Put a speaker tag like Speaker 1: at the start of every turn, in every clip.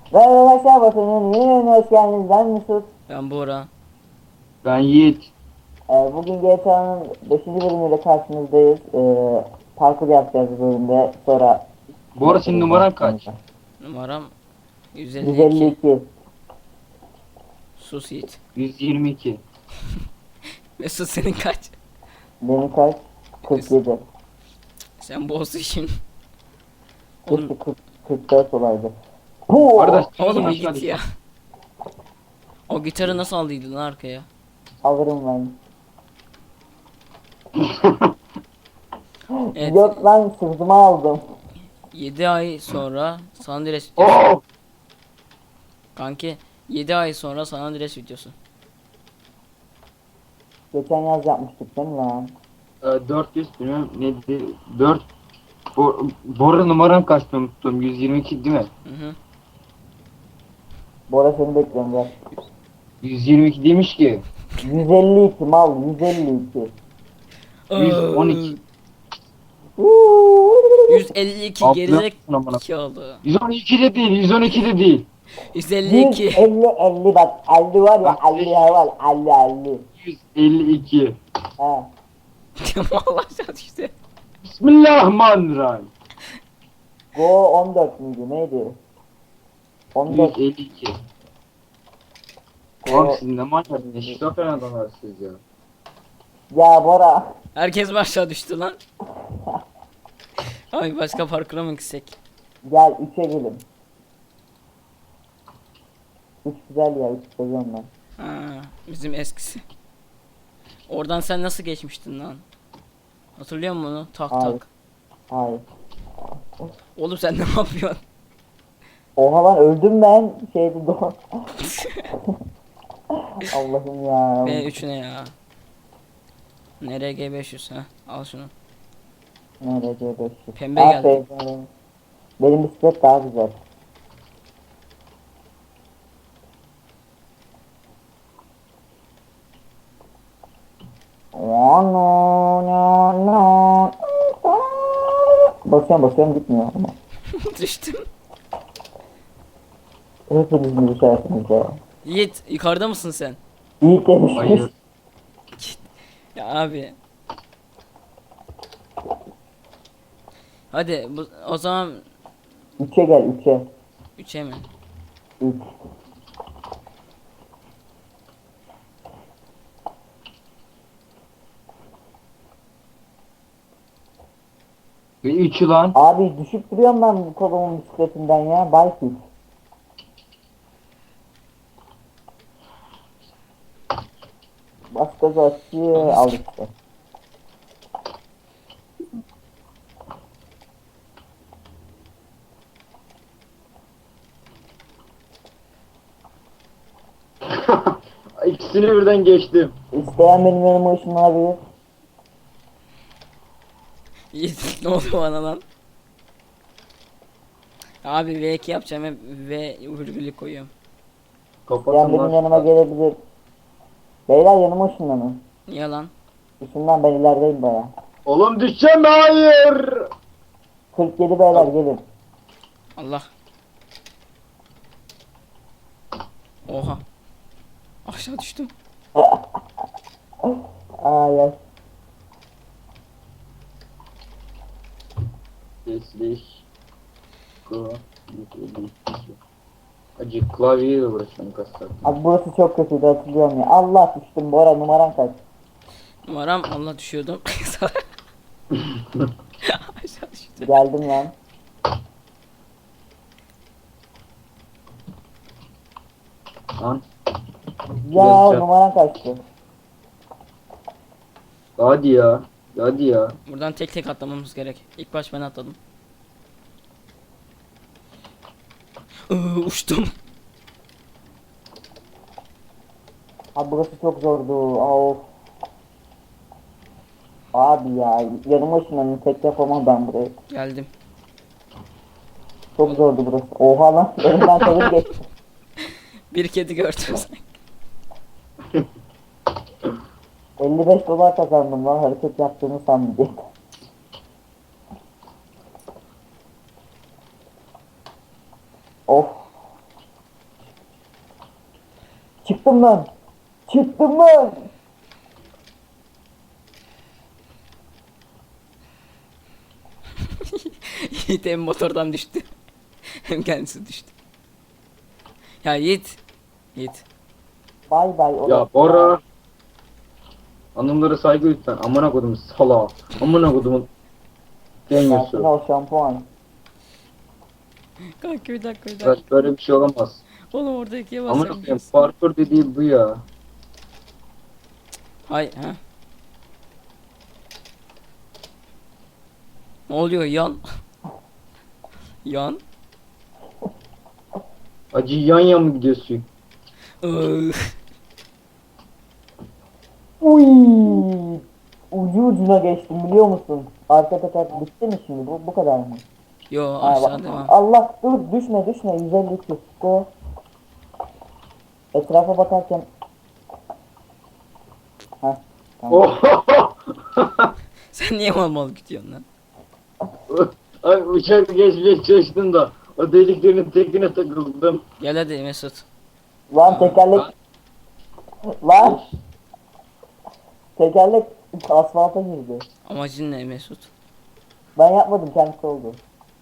Speaker 1: Merhaba arkadaşlar, Batı'nın yeni bölümüne hoş geldiniz. Ben Mesut.
Speaker 2: Ben Bora.
Speaker 3: Ben Yiğit.
Speaker 1: Bugün GTA'nın 5. bölümüyle karşınızdayız. Parkur yapacağız bu bölümde. Sonra
Speaker 3: Bu arada senin numaran kaç?
Speaker 2: Numaram 152.
Speaker 1: 152.
Speaker 2: Sus Yiğit.
Speaker 3: 122.
Speaker 2: Mesut senin kaç?
Speaker 1: Benim kaç? 47.
Speaker 2: Sen bozdun şimdi.
Speaker 1: Keşke
Speaker 2: Oğlum,
Speaker 1: 44 olaydı.
Speaker 3: Bu arada
Speaker 2: oğlum bir
Speaker 3: aşağı
Speaker 2: git ya. O gitarı nasıl aldıydın lan arkaya?
Speaker 1: Alırım ben.
Speaker 2: Evet.
Speaker 1: Yok lan, sırtıma aldım.
Speaker 2: 7 ay sonra San Andreas videosu.
Speaker 3: Oh!
Speaker 2: Kanki 7 ay sonra San Andreas videosu.
Speaker 1: Geçen yaz yapmıştık değil mi lan?
Speaker 3: 400 bilmem neydi? 4 Bora numaran kaçtı unuttum. 122 değil mi?
Speaker 2: Hı hı.
Speaker 1: Bora seni bekliyorum gel.
Speaker 3: 122 demiş ki.
Speaker 1: 152 mal, 152.
Speaker 3: 112.
Speaker 2: 152
Speaker 3: Ablıyorsun
Speaker 2: gerizek
Speaker 3: amına.
Speaker 2: oldu.
Speaker 3: 112 de değil, 112 de değil.
Speaker 2: 152.
Speaker 1: 150 bak, 50 var ya, 50 var, 50.
Speaker 3: 152.
Speaker 1: He.
Speaker 2: Allah aşağı düştü.
Speaker 3: Bismillahirrahmanirrahim.
Speaker 1: Go 14 müydü neydi? 14
Speaker 3: 152.
Speaker 1: Go.
Speaker 3: Oğlum siz ne manyak, ne şizofren adamlarsınız ya.
Speaker 1: Ya Bora.
Speaker 2: Herkes mi aşağı düştü lan? Ay başka parkura mı gitsek?
Speaker 1: Gel 3'e gelin. 3 güzel ya, 3 seviyorum ben.
Speaker 2: Ha, bizim eskisi. Oradan sen nasıl geçmiştin lan? Hatırlıyor musun onu? Tak
Speaker 1: Hayır.
Speaker 2: tak.
Speaker 1: Hayır.
Speaker 2: Oğlum sen ne yapıyorsun?
Speaker 1: Oha lan, öldüm ben. Şeydi do. Allah'ım ya.
Speaker 2: B3 ne ya? NRG 500 ha. Al şunu.
Speaker 1: Nerede 500?
Speaker 2: Pembe geldi.
Speaker 1: Benim bisiklet daha güzel. Basıyorum gitmiyor ama.
Speaker 2: Düştüm.
Speaker 1: Hepiniz mi düşersiniz ya?
Speaker 2: Yiğit yukarıda mısın sen?
Speaker 1: Yiğit demiş.
Speaker 3: Hayır.
Speaker 2: Ya abi. Hadi o zaman
Speaker 1: 3'e gel 3'e.
Speaker 2: 3'e mi?
Speaker 1: 3.
Speaker 3: Ve 3 lan.
Speaker 1: Abi düşüp duruyorum ben bu kolumun bisikletinden ya. Bike. Bas gazı açıyor, al işte.
Speaker 3: İkisini birden geçtim.
Speaker 1: İsteyen benim yanıma ışınlanabilir.
Speaker 2: Yiğit ne oldu bana lan? Abi V2 yapacağım hep V virgülü koyuyorum.
Speaker 1: İsteyen
Speaker 3: Kapatın
Speaker 1: benim
Speaker 3: lan.
Speaker 1: yanıma gelebilir. Beyler yanıma ışınlanın.
Speaker 2: Niye lan?
Speaker 1: Işından ben ilerideyim baya.
Speaker 3: Oğlum düşeceğim, hayır.
Speaker 1: 47 beyler gelin.
Speaker 2: Allah. Oha. Aşağı düştüm.
Speaker 1: Ay.
Speaker 3: Sesleş. Acı klavyeyle uğraşıyorum kaç saat.
Speaker 1: Abi burası çok kötüydü, hatırlıyorum ya. Allah, düştüm Bora, numaran kaç?
Speaker 2: Numaram Allah düşüyordum. Aşağı düştüm.
Speaker 1: Geldim lan.
Speaker 3: Lan
Speaker 1: Ya
Speaker 3: Güzel.
Speaker 1: numaran kaçtı?
Speaker 3: hadi ya. Hadi ya.
Speaker 2: Buradan tek tek atlamamız gerek. İlk baş ben atladım. Uçtum.
Speaker 1: Abi burası çok zordu. Of. Abi ya yanıma ışınlanın, tek yapamam ben burayı.
Speaker 2: Geldim.
Speaker 1: Çok zordu burası. Oha lan, önümden tavır geçti.
Speaker 2: Bir kedi gördüm.
Speaker 1: 55 dolar kazandım lan, hareket yaptığını sandım diye. Of. Çıktım ben. Çıktım ben.
Speaker 2: Yiğit hem motordan düştü. Hem kendisi düştü. Ya Yiğit. Yiğit.
Speaker 1: Bay bay.
Speaker 3: Ya Bora. Hanımlara saygı lütfen. Amına kodum sala. Amına kodumun
Speaker 1: Sakin
Speaker 3: deniyorsun.
Speaker 1: ol şampuan.
Speaker 2: Kanka bir dakika.
Speaker 3: Arkadaş böyle bir şey olamaz.
Speaker 2: Oğlum orada ikiye
Speaker 3: Amına
Speaker 2: basacağım.
Speaker 3: koyayım parkur dediği bu ya.
Speaker 2: Hay ha. Ne oluyor yan? Yan.
Speaker 3: Acı yan yan mı gidiyorsun?
Speaker 2: Iıı.
Speaker 1: Uy. Ucu ucuna geçtim biliyor musun? Arka teker bitti mi şimdi? Bu kadar mı?
Speaker 2: Yo
Speaker 1: Ha,
Speaker 2: aşağı
Speaker 1: bak.
Speaker 2: devam.
Speaker 1: Allah dur düşme 152 go. Etrafa bakarken ha tamam.
Speaker 3: Oh!
Speaker 2: Sen niye mal gidiyorsun lan?
Speaker 3: Ay uçak geçmeye çalıştım da o deliklerin tekine takıldım.
Speaker 2: Gel hadi Mesut.
Speaker 1: Lan tekerlek lan tekerlek asfalta girdi.
Speaker 2: Amacın ne Mesut?
Speaker 1: Ben yapmadım kendisi oldu.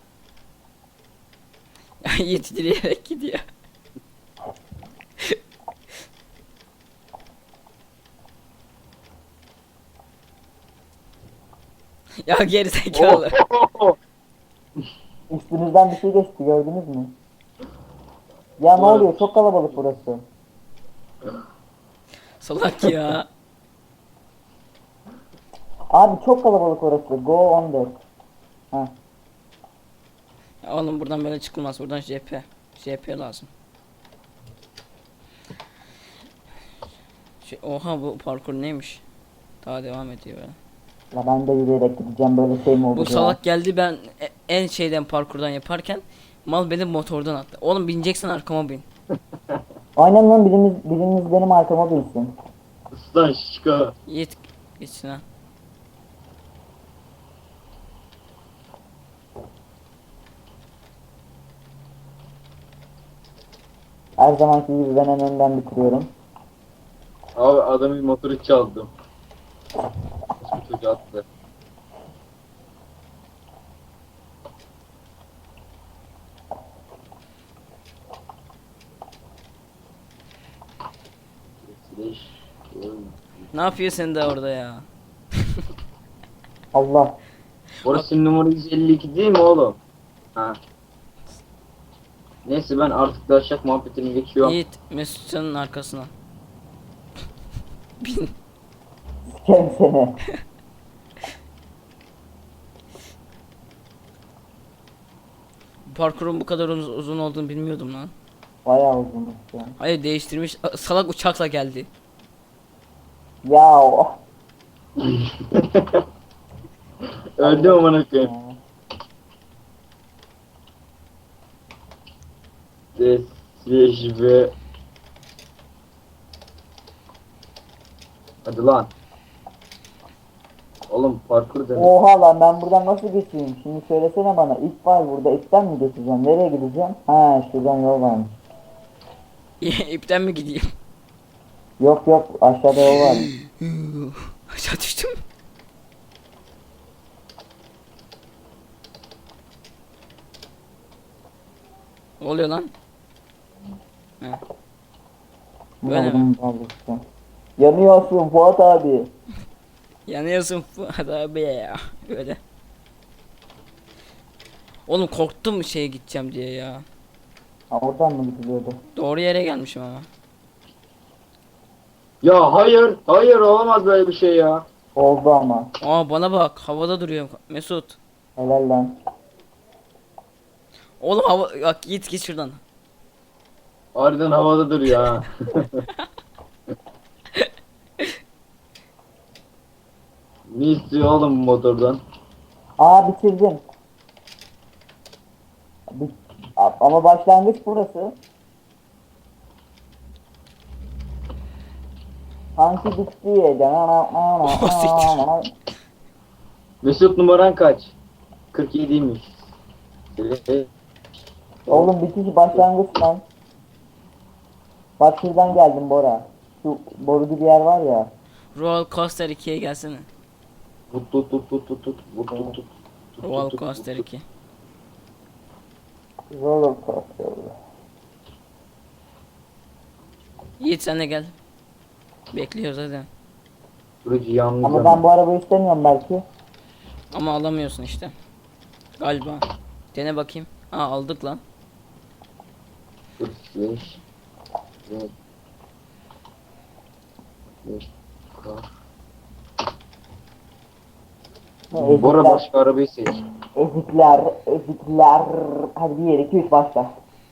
Speaker 2: Yiğit direyerek gidiyor. Ya geri zekalı.
Speaker 1: Üstünüzden bir şey geçti gördünüz mü? Ya ne
Speaker 3: Evet.
Speaker 1: oluyor çok kalabalık burası.
Speaker 2: Salak ya.
Speaker 1: Abi çok kalabalık orası. Go 14. Ha.
Speaker 2: Ya oğlum buradan böyle çıkılmaz. Buradan JP. JP lazım. Oha bu parkur neymiş? Daha devam ediyor böyle.
Speaker 1: La ben de yürüyerek gideceğim böyle şey mi olur
Speaker 2: Bu
Speaker 1: ya?
Speaker 2: salak geldi ben en şeyden parkurdan yaparken mal benim motordan attı. Oğlum bineceksen arkama bin.
Speaker 1: Aynen lan biriniz benim arkama binsin.
Speaker 3: Islan şişka.
Speaker 2: Yiğit geçsin ha.
Speaker 1: Her zamanki gibi ben en önden bitiriyorum.
Speaker 3: Abi adamın motoru çaldım. Nasıl çocuğu attı.
Speaker 2: Ne yapıyorsun de orada ya?
Speaker 1: Allah.
Speaker 3: Orası numara 152 değil mi oğlum? Ha. Neyse ben artık daşak muhabbetini geçiyorum.
Speaker 2: Yiğit Mesut'un arkasına. Bin.
Speaker 1: Sikerim seni.
Speaker 2: Parkurun bu kadar uzun olduğunu bilmiyordum lan.
Speaker 1: Bayağı uzunmuş ya.
Speaker 2: Hayır değiştirmiş. Salak uçakla geldi.
Speaker 1: Ya oh.
Speaker 3: Öldüm amına koyayım. Desveş ve... Hadi lan. Oğlum parkur demek.
Speaker 1: Oha lan ben buradan nasıl geçeyim? Şimdi söylesene bana. İp var burada. İpten mi geçeceğim? Nereye gideceğim? Ha şuradan yol varmış.
Speaker 2: İpten mi gideyim?
Speaker 1: Yok yok aşağıda yol var.
Speaker 2: Aşağı düştüm. Ne oluyor lan? He. Böyle mi?
Speaker 1: Yanıyorsun Fuat abi.
Speaker 2: Yanıyorsun Fuat abi ya. Öyle. Oğlum korktum şeye gideceğim diye ya.
Speaker 1: Ha oradan mı gidiliyordu?
Speaker 2: Doğru yere gelmişim ama.
Speaker 3: Ya hayır, hayır olamaz böyle bir şey ya.
Speaker 1: Oldu ama.
Speaker 2: Aa bana bak havada duruyor Mesut.
Speaker 1: Helal lan.
Speaker 2: Oğlum hava bak git şuradan.
Speaker 3: Harbiden havada duruyor ha. Ne istiyor oğlum bu motordan?
Speaker 1: Aa bitirdim. Ama başlangıç burası. Sanki bitti.
Speaker 3: Mesut numaran kaç? 47'ymiş.
Speaker 1: Oğlum bitiş başlangıç lan. Bak şuradan geldim Bora. Şu boru gibi yer var ya.
Speaker 2: Roller Coaster 2'ye gelsene.
Speaker 3: Tut tut tut tut tut tut tut tut tut.
Speaker 2: Roller Coaster 2.
Speaker 1: Roller coaster.
Speaker 2: Yiğit sen de gel. Bekliyoruz hadi.
Speaker 3: Süreci yalnız
Speaker 1: Ama ben bu arabayı istemiyorum belki.
Speaker 2: Ama alamıyorsun işte. Galiba. Dene bakayım. Aa aldık lan.
Speaker 3: 45 5 5
Speaker 1: Ne,
Speaker 3: Bora
Speaker 1: ezikler,
Speaker 3: başka arabayı seç.
Speaker 1: ezikler, ezikler. Hadi 1, 2, 3 başla.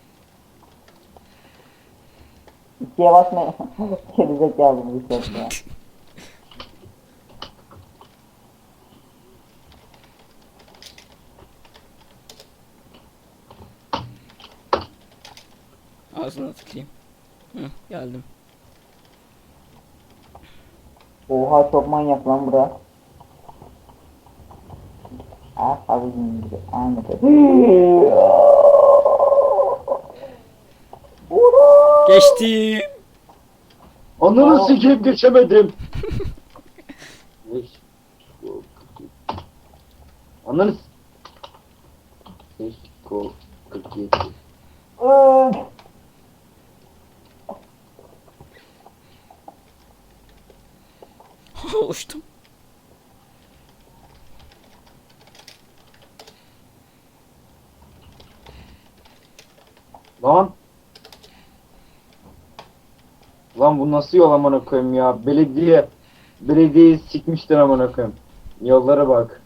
Speaker 1: 2'ye basma. Gerizekalı bu ses ya.
Speaker 2: Ağzına tıkayım. Hı, geldim.
Speaker 1: Oha çok manyak lan bura. Ah abicim gibi. Aynı şey.
Speaker 2: Geçtim.
Speaker 3: Ananı sikeyim geçemedim. 5 Ananı 5 47
Speaker 2: Uçtum.
Speaker 3: Lan. Lan bu nasıl yol amına koyayım ya? Belediyeyi sikmişler amına koyayım. Yollara bak.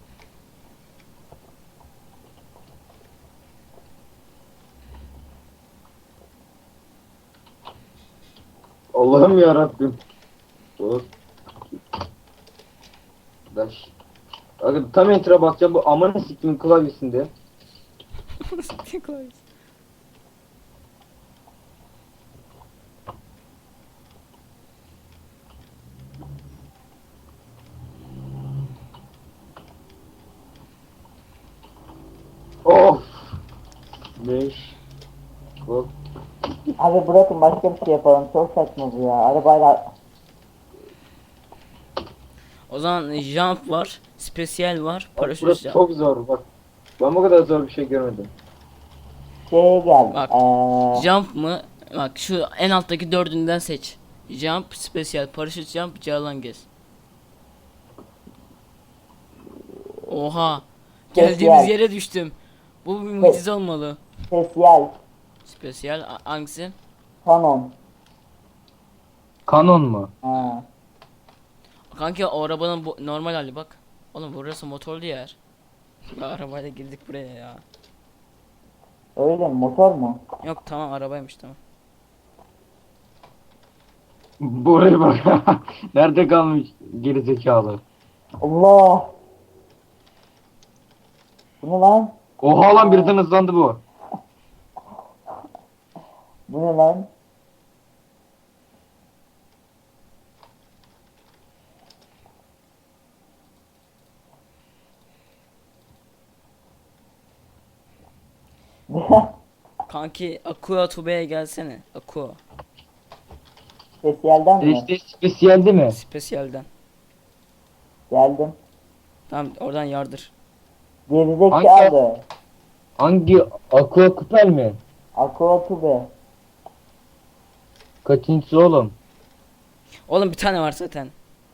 Speaker 3: Allah'ım ya Rabbim. Dur. Daş. Abi tam enter'a basacağım bu amına siktimin klavyesinde. Of. 5 Hop.
Speaker 1: Abi bırakın başka bir şey yapalım. Çok saçma bu ya. Arabayla
Speaker 2: O zaman jump var, spesiyel var,
Speaker 3: Bak
Speaker 2: paraşüt
Speaker 3: burası
Speaker 2: jump.
Speaker 3: çok zor bak. Ben bu kadar zor bir şey görmedim.
Speaker 1: şeye gel.
Speaker 2: Bak. Jump mı? Bak şu en alttaki dördünden seç. Jump, spesiyel, paraşüt jump, cağlan gez. Oha. Geldiğimiz
Speaker 1: Spesiyel.
Speaker 2: yere düştüm. Bu bir mucize olmalı.
Speaker 1: Spesiyel.
Speaker 2: Spesiyel hangisi?
Speaker 1: Canon.
Speaker 3: Kanon mu?
Speaker 1: Ha.
Speaker 2: Kanki o arabanın bu normal hali bak. Oğlum burası motorlu yer. Ya, arabayla girdik buraya ya.
Speaker 1: Öyle mi? Motor mu?
Speaker 2: Yok tamam arabaymış tamam.
Speaker 3: Buraya bak. Nerede kalmış gerizekalı?
Speaker 1: Allah. Bu ne lan?
Speaker 3: Oha lan birden hızlandı bu.
Speaker 1: Bu ne lan?
Speaker 2: Kanki Aqua Tube'ye gelsene. Aqua.
Speaker 1: Spesiyelden mi?
Speaker 3: İşte spesiyeldi mi?
Speaker 2: Spesiyelden.
Speaker 1: Geldim.
Speaker 2: Tamam oradan yardır.
Speaker 1: Gerizekalı.
Speaker 3: Hangi Aqua Kupel mi?
Speaker 1: Aqua Tube.
Speaker 3: Kaçıncısı oğlum?
Speaker 2: Oğlum bir tane var zaten.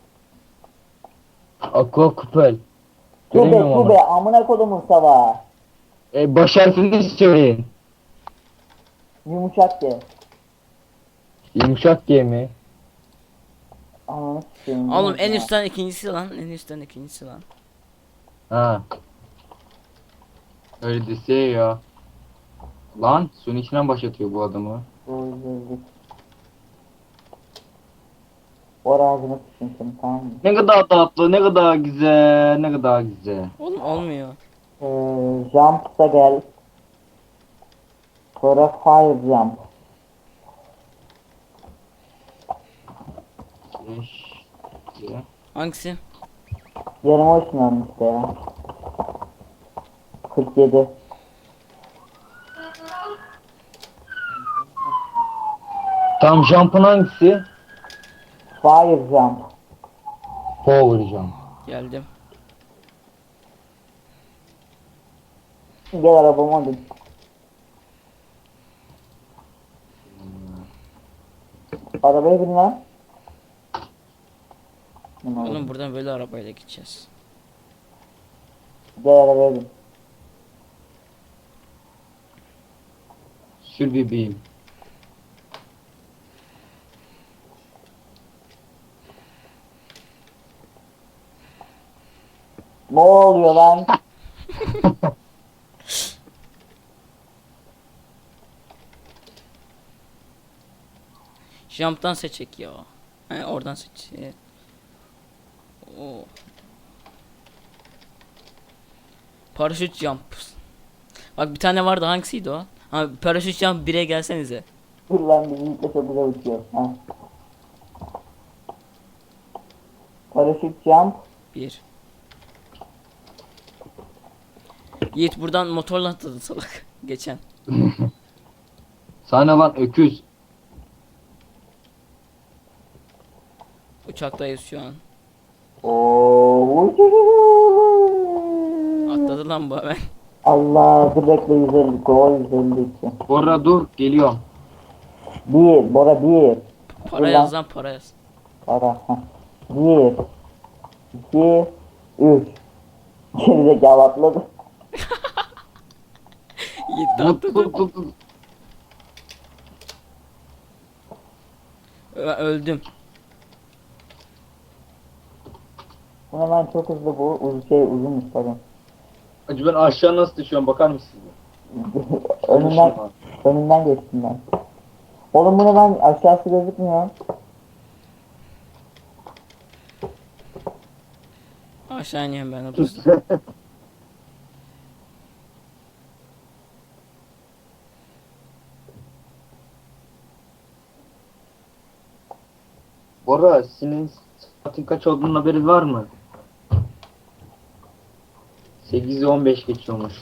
Speaker 3: Aqua Kupel.
Speaker 1: Tube
Speaker 3: Göremiyorum ama.
Speaker 1: tube. Amına kodumun sava.
Speaker 3: Baş harfini söyleyin.
Speaker 1: Yumuşak ye.
Speaker 3: Yumuşak G mi?
Speaker 1: Ananı sikeyim.
Speaker 2: Oğlum en
Speaker 1: Ya.
Speaker 2: üstten ikincisi lan. En üstten ikincisi lan.
Speaker 3: Ha. Öyle dese ya. Lan suyun içinden başlatıyor bu adamı.
Speaker 1: Doğru. Ora ağzını sıçın seni, tamam mı?
Speaker 3: Ne kadar tatlı, ne kadar güzel, ne kadar güzel.
Speaker 2: Oğlum olmuyor.
Speaker 1: Jump'sa gel. Sonra fire jump.
Speaker 3: Ya.
Speaker 2: Hangisi?
Speaker 1: Yarım ışınlandı işte ya. 47.
Speaker 3: Tam jump'ın hangisi?
Speaker 1: Fire jump.
Speaker 3: Power jump.
Speaker 2: Geldim.
Speaker 1: Gel arabama hadi. Arabaya bin lan.
Speaker 2: Oğlum buradan böyle arabayla gideceğiz.
Speaker 1: Gel arabaya bin.
Speaker 3: Sür bebeğim.
Speaker 1: Ne oluyor lan?
Speaker 2: Jump'tan seçek ya. He, oradan seç. Oo. Paraşüt jump. Bak bir tane vardı, hangisiydi o? Ha, paraşüt jump 1'e gelsenize.
Speaker 1: Dur lan bizimle çok güzel uçuyor. Ha. Paraşüt jump.
Speaker 2: 1. Yiğit buradan motorla atladı salak. Geçen.
Speaker 3: Sana lan öküz.
Speaker 2: Uçaktayız şu an.
Speaker 1: Oo.
Speaker 2: Atladı lan bu hemen.
Speaker 1: Allah dur bekle 150 gol 152.
Speaker 3: Bora dur geliyorum.
Speaker 1: Bir Bora bir.
Speaker 2: Para yaz lan, para yaz.
Speaker 1: Para. Heh. Bir. İki. Üç. Gerizekalı atladı.
Speaker 2: Yiğit de
Speaker 3: Tut
Speaker 2: atladı.
Speaker 3: tut tut. Tut.
Speaker 2: Öldüm.
Speaker 1: Bu hemen çok hızlı bu. Uzunmuş pardon.
Speaker 3: Acı ben aşağı nasıl düşüyorum bakar mısın?
Speaker 1: önünden geçtim ben. Oğlum bu ne lan aşağısı gözükmüyor.
Speaker 2: Aşağı ineyim ben hızlı.
Speaker 3: Bora senin saatin kaç olduğunun haberin var mı? 8'i 15 geçiyormuş.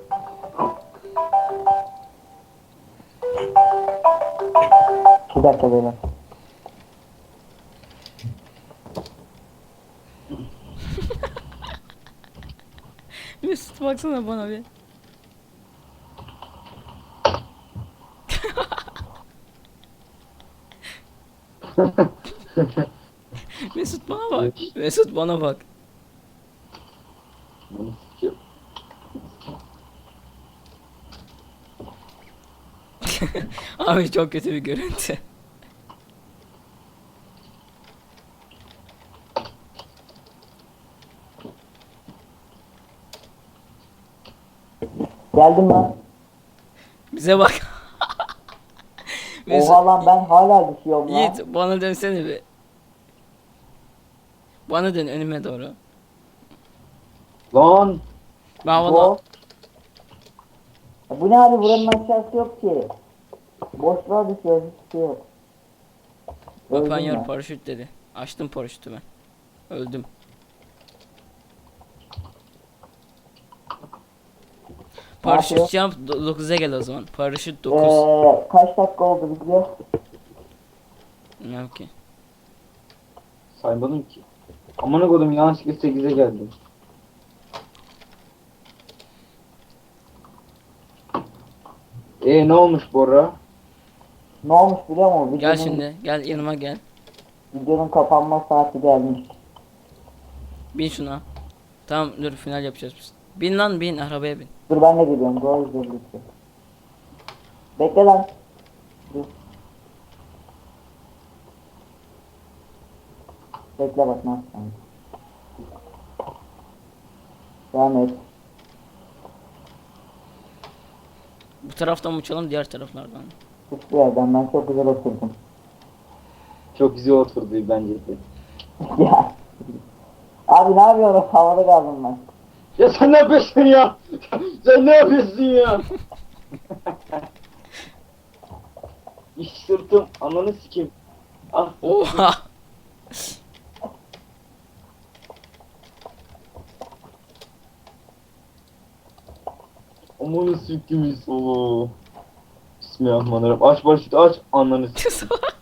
Speaker 1: Bir dakika böyle.
Speaker 2: Mesut baksana bana bir. Mesut bana bak. Mesut bana bak. Abi çok kötü bir görüntü.
Speaker 1: Geldim lan.
Speaker 2: Bize bak.
Speaker 1: Oha lan ben hala düşüyorum lan.
Speaker 2: Yiğit bana dönsene bir. Bana dön önüme doğru.
Speaker 3: Lan
Speaker 2: Ben
Speaker 1: Bu.
Speaker 2: valla
Speaker 1: Bu ne abi buranın aşağısı yok ki. Boşluğa düşüyoruz hiçbir şey yok. Öldüm
Speaker 2: open your
Speaker 1: ya.
Speaker 2: paraşüt dedi. Açtım paraşütü ben. Öldüm. Paraşüt
Speaker 1: yapıyor?
Speaker 2: jump 9'a gel o zaman. Paraşüt 9.
Speaker 1: Kaç dakika oldu video?
Speaker 2: Ne ki?
Speaker 3: saymadım ki. Amına koydum yanlışlıkla 8'e geldim. Ne olmuş Bora?
Speaker 1: Ne olmuş biliyor musun?
Speaker 2: Gel
Speaker 1: Videonun,
Speaker 2: şimdi. Gel yanıma gel.
Speaker 1: videonun kapanma saati gelmiş.
Speaker 2: Bin şuna. Tamam dur final yapacağız biz. Bin lan bin arabaya bin.
Speaker 1: Dur ben de geliyorum. Doğru söylüyorsun. Bekle lan. Dur. Bekle bak ne yapacağım. Devam et.
Speaker 2: Bu taraftan mı uçalım diğer taraflardan.
Speaker 1: Hiçbir yerden ben çok güzel oturdum.
Speaker 3: Çok güzel oturdu bence de.
Speaker 1: Ya. Abi ne yapıyorum? Havada kaldım ben.
Speaker 3: Ya sen ne yapıyorsun ya? Sen ne yapıyorsun ya? İş sırtım ananı sikeyim. Ah.
Speaker 2: Oha.
Speaker 3: Amanı sikeyim solu. Bismillahirrahmanirrahim. Aç başlık aç ananı sikeyim.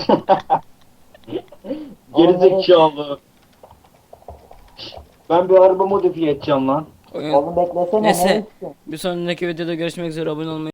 Speaker 3: Gerizekalı. Ben bir araba modifiye edeceğim lan.
Speaker 2: Oyun.
Speaker 1: Oğlum beklesene,
Speaker 2: Neyse.
Speaker 1: ne istiyorsun?
Speaker 2: Bir sonraki videoda görüşmek üzere. Abone olmayı